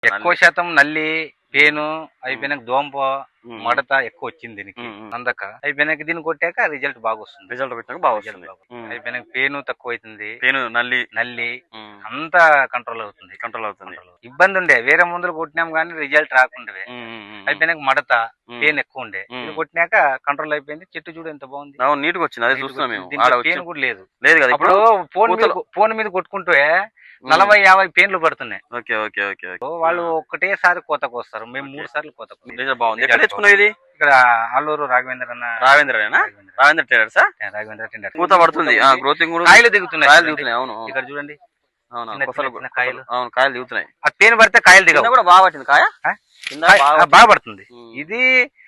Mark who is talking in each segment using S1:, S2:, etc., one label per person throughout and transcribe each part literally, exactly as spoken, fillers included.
S1: ఎక్కువ శాతం నల్లి పేను అయిపోయినాక దోంప మడత ఎక్కువ వచ్చింది దీనికి అందక అయిపోయినాక దీన్ని కొట్టాక రిజల్ట్ బాగా వస్తుంది.
S2: రిజల్ట్ కొట్టాక బాగా వస్తుంది.
S1: అయిపోయినాక పేను తక్కువ అవుతుంది.
S2: పేను నల్లి
S1: నల్లి అంతా కంట్రోల్ అవుతుంది.
S2: కంట్రోల్ అవుతుంది.
S1: ఇబ్బంది ఉండే వేరే మందులు కొట్టినాం కానీ రిజల్ట్ రాకుండే. అయిపోయినాక మడత పెయిన్ ఎక్కువ ఉండే ఇది కొట్టినాక కంట్రోల్ అయిపోయింది. చెట్టు చూడు ఎంత బాగుంది,
S2: నీట్ గా వచ్చింది. అదే చూస్తున్నాం మేము.
S1: పెయిన్ కూడా లేదు
S2: లేదు కదా.
S1: ఇప్పుడు ఫోన్ ఫోన్ మీద కొట్టుకుంటే నలభై యాభై పెయిన్లు పడుతున్నాయి.
S2: Okay okay okay.
S1: వాళ్ళు ఒక్కటేసారి కోతకు వస్తారు, మేము మూడు సార్లు కోతకు.
S2: బాగుంది. ఎక్కడ తెచ్చుకున్నావు ఇది?
S1: ఇక్కడ ఆలూరు రాఘవేంద్ర అన్న.
S2: రాఘవేంద్రనా? రాఘవేంద్ర టైలర్స్.
S1: రాఘవేంద్ర టెండర్.
S2: పూత పడుతుంది, గ్రోతింగ్ కూడా,
S1: కాయలు దిగుతున్నాయి.
S2: కాయలు దిగుతున్నాయి. అవును,
S1: ఇక్కడ చూడండి.
S2: కాయలు అవును కాయలు దిగుతున్నాయి.
S1: ఆ తేనె పడితే కాయలు దిగవు.
S2: కూడా బాగా పట్టింది కాయ,
S1: బాగా పడుతుంది. ఇది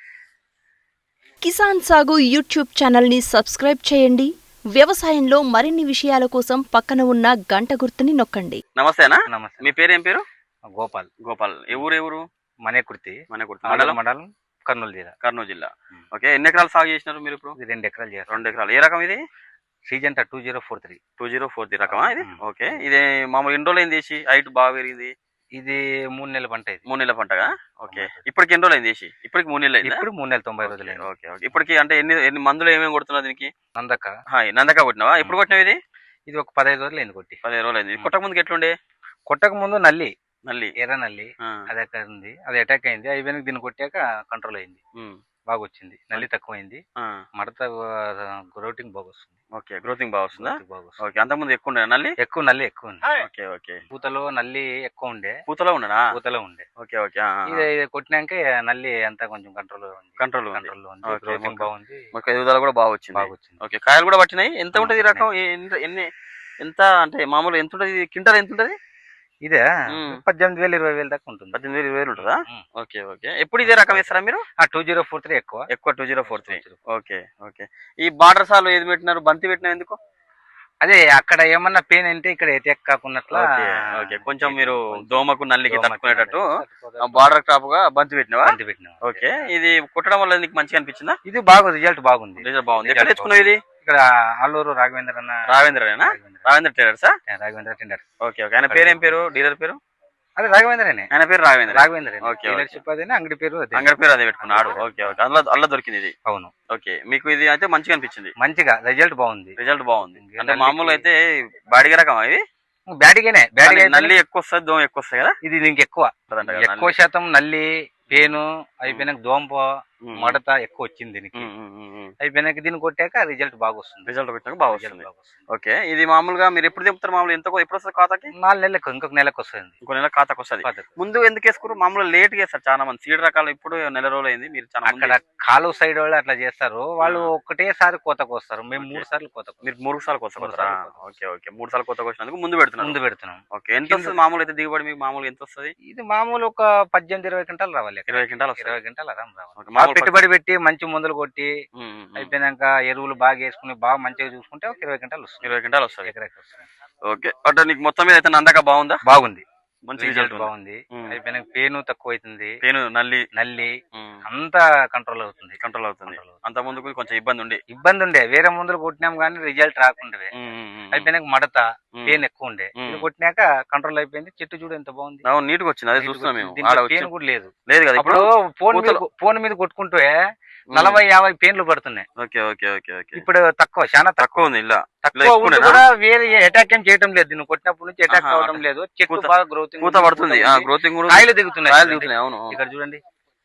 S3: కిసాన్ సాగు యూట్యూబ్ ఛానల్ ని సబ్స్క్రైబ్ చేయండి. వ్యవసాయంలో మరిన్ని విషయాల కోసం పక్కన ఉన్న గంట గుర్తుని నొక్కండి.
S2: నమస్తేనా?
S1: నమస్తే.
S2: మీ పేరు ఏం పేరు?
S1: గోపాల్.
S2: గోపాల్. ఏ ఊరు? ఏ ఊరు?
S1: మనేకుర్తి.
S2: మనేకుర్తి
S1: మండలం మండలం కర్నూలు జిల్లా.
S2: కర్నూలు జిల్లా. ఓకే. ఎన్ని ఎకరాలు సాగు చేసినారు మీరు ఇప్పుడు?
S1: రెండు ఎకరాలు చేస్తారు.
S2: రెండు ఎకరాలు. ఏ రకం ఇది?
S1: సీజంటా two zero four three.
S2: Two zero four three రకమా ఇది? ఓకే. ఇది మామూలు ఎన్ని రోజులు అయింది చేసి? హైట్ బాగా పెరిగింది.
S1: ఇది మూడు నెలల పంట. ఇది
S2: మూడు నెలల పంటగా? ఓకే. ఇప్పటికి ఎన్ని రోజులు అయింది చేసి? ఇప్పటికి మూడు నెలలు అయింది.
S1: ఇప్పుడు మూడు నెలల తొంభై రోజులు.
S2: Okay okay. ఇప్పటికి అంటే ఎన్ని ఎన్ని మందులు ఏమేమి కొడుతున్నావు దీనికి?
S1: నందక.
S2: నందక కొట్టినావా? ఎప్పుడు కొట్టినావు ఇది?
S1: ఇది ఒక పదహైదు రోజులు అయింది కొట్టి.
S2: పదిహేను రోజులు అయింది. కొట్టక ముందుకు ఎట్లుండే?
S1: కొట్టక ముందు నల్లి
S2: నల్లి
S1: ఎర్ర నల్లి అది ఎక్కడ ఉంది, అది అటాక్ అయింది. అయిపోయినాక దీన్ని కొట్టాక కంట్రోల్ అయింది, బాగా వచ్చింది. నల్లి తక్కువ అయింది, మడత గ్రోతింగ్ బాగా వస్తుంది.
S2: ఓకే. గ్రోతింగ్ బాగా వస్తుందా? ఓకే. అంతకుముందు ఎక్కువ ఉండే నల్లి?
S1: ఎక్కువ నల్లి ఎక్కువ ఉంది.
S2: Okay okay.
S1: పూతలో నల్లి ఎక్కువ ఉండే.
S2: పూతలో ఉండనా?
S1: పూతలో ఉండే.
S2: Okay okay.
S1: ఇది కొట్టినాక నల్లి అంతా కొంచెం కంట్రోల్
S2: కంట్రోల్
S1: కంట్రోల్ ఉంది. గ్రోతింగ్ బాగుంది.
S2: ఎదుగుదల కూడా బాగా వచ్చింది.
S1: బాగా వచ్చింది.
S2: ఓకే. కాయలు కూడా పట్టినాయి. ఎంత ఉంటది ఈ రకం? ఎన్ని ఎంత అంటే మామూలు ఎంత ఉంటది? క్వింటాల్ ఎంత ఉంటది?
S1: ఇదే పద్దెనిమిది వేలు ఇరవై వేలు దాకా ఉంటుంది.
S2: పద్దెనిమిది వేలు ఇరవై వేలు ఉంటుందా? Okay okay. ఎప్పుడు ఇదే రకం వేస్తారా మీరు?
S1: టూ జీరో ఫోర్ త్రీ ఎక్కువ
S2: ఎక్కువ two zero four three. Okay okay. ఈ బార్డర్ సాలు ఏది పెట్టినారు? బంతి పెట్టినా ఎందుకు?
S1: అదే అక్కడ ఏమన్నా పెయిన్ అంటే ఇక్కడ ఎటాక్ కాకున్నట్లా.
S2: ఓకే. కొంచెం మీరు దోమకు నల్లికి తట్టుకునేటట్టు బార్డర్ క్రాప్ గా బంతి పెట్టినవా?
S1: బంతి పెట్టినా.
S2: ఓకే. ఇది కుట్టడం వల్ల నీకు మంచిగా అనిపించిందా?
S1: ఇది బాగా రిజల్ట్ బాగుంది.
S2: రిజల్ట్ బాగుంది. ఎక్కడ తెచ్చుకున్నావు ఇది?
S1: ఇక్కడ ఆలూరు రాఘవేంద్ర అన్న.
S2: రాఘవేంద్రనా? రాఘవేంద్ర టైలర్సా?
S1: రాఘవేంద్ర టెండర్.
S2: Okay okay. ఆయన పేరు ఏం పేరు? డీలర్ పేరు?
S1: అదే రాఘవేంద్రనే.
S2: ఆయన పేరు రాఘవేంద్ర.
S1: రాఘవేంద్ర.
S2: ఓకే.
S1: అంగడి పేరు
S2: అంగడి పేరు అదే పెట్టుకున్నాడు. Okay okay. అందులో అల్ల దొరికింది ఇది.
S1: అవును.
S2: ఓకే. మీకు ఇది అయితే మంచిగా అనిపించింది?
S1: మంచిగా రిజల్ట్ బాగుంది.
S2: రిజల్ట్ బాగుంది. అంటే మామూలు అయితే బాడిగ రకం ఇది?
S1: బ్యాటిగానే. బ్యాటిగా
S2: నల్లి ఎక్కువ వస్తుంది, దోమ ఎక్కువ వస్తాయి కదా?
S1: ఇది దీనికి ఎక్కువ. ఎక్కువ శాతం నల్లి పేను అయిపోయినాక దోంప మడత ఎక్కువ వచ్చింది దీనికి. అయిపోయినాక దీన్ని కొట్టాక రిజల్ట్ బాగా వస్తుంది.
S2: రిజల్ట్ కొట్టాక బాగా వస్తుంది. ఓకే. ఇది మామూలుగా మీరు ఎప్పుడు చెప్తారు? మామూలు ఎంత ఎప్పుడు వస్తుంది ఖాతాకి?
S1: నాలుగు నెలలకు ఇంకొక నెలకు వస్తుంది.
S2: ఇంకో నెల ఖాతాకి వస్తుంది. ముందు ఎందుకు వేసుకున్నారు? మామూలు లేట్ చేస్తారు చాలా మంది. సీడ్ రకాలు ఇప్పుడు నెల రోజులు అయింది. మీరు
S1: అక్కడ కాలువ సైడ్ వాళ్ళు అట్లా చేస్తారు. వాళ్ళు ఒకటేసారి కోతకు వస్తారు, మేము మూడు సార్లు కోతకు.
S2: మీరు మూడు సార్లు కోతకు వస్తారా? Okay okay. మూడు సార్లు కోతకు వచ్చినందుకు ముందు పెడుతున్నాం.
S1: ముందు పెడుతున్నాం. ఓకే.
S2: ఎంత వస్తుంది మామూలు అయితే దిగుబడి? మీకు మామూలు ఎంత వస్తుంది?
S1: ఇది మామూలు ఒక పద్దెనిమిది ఇరవై గంటలు రావాలి.
S2: ఇరవై గంటలు
S1: ఇరవై గంటలు ఆరాం రావాలి. పెట్టుబడి పెట్టి మంచి మందులు కొట్టి అయిపోయినాక ఎరువులు బాగా వేసుకుని బాగా మంచిగా చూసుకుంటే ఒక ఇరవై గంటలు వస్తుంది.
S2: ఇరవై గంటలు వస్తుంది. ఎకరాకి వస్తుంది. ఓకే. అంటే నీకు మొత్తం మీద అయితే నందక బాగుందా?
S1: బాగుంది.
S2: మంచి రిజల్ట్
S1: బాగుంది. అయిపోయినాక పేను తక్కువ అవుతుంది.
S2: పేను నల్లి
S1: నల్లి అంతా కంట్రోల్ అవుతుంది.
S2: కంట్రోల్ అవుతుంది. అంత ముందుకు కొంచెం ఇబ్బంది ఉండే.
S1: ఇబ్బంది ఉండే వేరే మందులు కొట్టినాం కానీ రిజల్ట్ రాకుండే. అయిపోయినాక మడత పెయిన్ ఎక్కువ ఉండే. ఇది కొట్టినాక కంట్రోల్ అయిపోయింది. చెట్టు చూడు ఎంత బాగుంది.
S2: నీట్ గా వచ్చింది. అదే చూస్తున్నాం మేము.
S1: పెయిన్ కూడా లేదు.
S2: లేదు కదా.
S1: ఇప్పుడు ఫోన్ ఫోన్ మీద కొట్టుకుంటే నలభై యాభై పెయిన్లు పడుతున్నాయి.
S2: Okay okay okay okay.
S1: ఇప్పుడు తక్కువ, చాలా తక్కువ ఉంది. ఇలా తక్కువ కూడా వేరే అటాక్ ఏం చేయడం లేదు. నువ్వు కొట్టినప్పటి నుంచి అటాక్ అవడం లేదు. చెట్టు బాగా గ్రోతింగ్
S2: పూత పడుతుంది. గ్రోతింగ్
S1: కాయలు దిగుతున్నాయి.
S2: కాయలు దిగుతున్నాయి. అవును.
S1: ఇక్కడ చూడండి.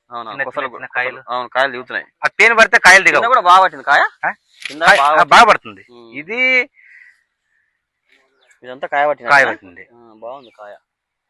S2: కాయలు అవును కాయలు దిగుతున్నాయి.
S1: ఆ పెయిన్ పడితే కాయలు దిగవు.
S2: కూడా బాగా పట్టింది కాయ,
S1: బాగా పడుతుంది. ఇది
S2: ఇదంతా కాయ పట్టింది.
S1: కాయ పట్టింది.
S2: బాగుంది కాయ.